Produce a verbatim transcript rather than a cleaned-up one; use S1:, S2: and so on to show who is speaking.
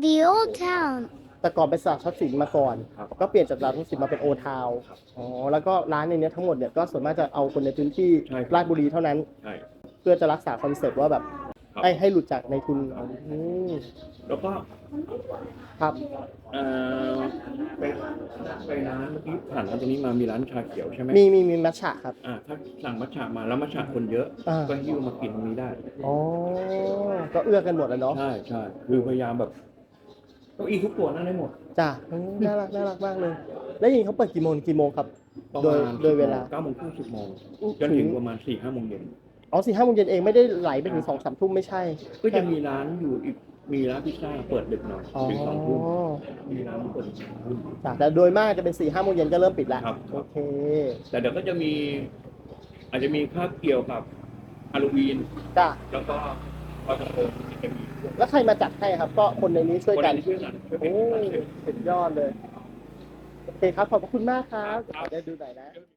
S1: the old town
S2: แต่ก่อนเป็นตลาดทรัพย์สินมาก่อน
S3: ครับ
S2: ก็เปลี่ยนจากตลาดทรัพย์สินมาเป็นโอทาว
S3: ครับ
S2: อ๋อแล้วก็ร้านในเนี้ยทั้งหมดเนี่ยก็ส่วนมากจะเอาคนในพื้นที่
S3: ใช่ครับ
S2: ราชบุรีเท่านั้น
S3: ใช่
S2: เพื่อจะรักษาคอนเซ็ปต์ว่าแบบ
S3: ครับ
S2: ให้ให้หลุดจากในทุนอืม
S3: แล้วก็
S2: ครับ
S3: เอ่อไปไปร้านเมื่อกี้ผ่านร้านตรงนี้มามีร้านชาเขียวใช่ไหม
S2: มีมีมีมัทฉะครับ
S3: อ่าถ้าสั่งมัทฉะมาแล้วมัทฉะคนเยอะ
S2: อ่า
S3: ก็หิ้วมากินตรงนี้ได้
S2: อ๋อก็เอื้อกันหมดแล้วเนาะ
S3: ใช่ใช่คือพยายามแบบเก้าอี้ทุกตัวนั่งได้หมด
S2: จ้ะอืมน่ารักน่ารักมากเลย แล้วอย่างนี้เขาเปิดกี่โมงกี่โมงครับ
S3: ประ
S2: โดย
S3: มาณ
S2: โดยเวลา
S3: เก้าโมงครึ่งสิบโมง
S2: อู้
S3: จนถึงประมาณสี่ห้าโมงเย็น
S2: อ๋อสี่ห้าโมงเย็นเองไม่ได้ไหลไปถึงสองสามทุ่มไม่ใช่
S3: ก็จะมีร้านอยู่อีกมีร้านพิซซ่าเปิดดึกหน่อย
S2: อ๋อ
S3: ถึงสองทุ่มมีร้านเปิดถึงสองทุ่ม
S2: จ้ะแต่โดยมากจะเป็นสี่ห้าโมงเย็นก็เริ่มปิดแล้ว
S3: ครับ
S2: โอเค
S3: แต่เดี๋ยวก็จะมี อาจจะมีภาพเกี่ยวกับฮาโลวีน
S2: จ้ะ
S3: แล้วก็ลอยกระทงจะมี
S2: แล้วใครมาจัดให้ครับ ก็คนในนี้ช่วย
S3: คน
S2: กัน
S3: ที่ช่วยกันช่วยเป็น
S2: โอ้
S3: การเชิญ
S2: สุดยอดเลย โอเคครับ ขอบพระคุณมากครับ
S3: ครับ
S2: เดี๋ยวดูหน่อยนะ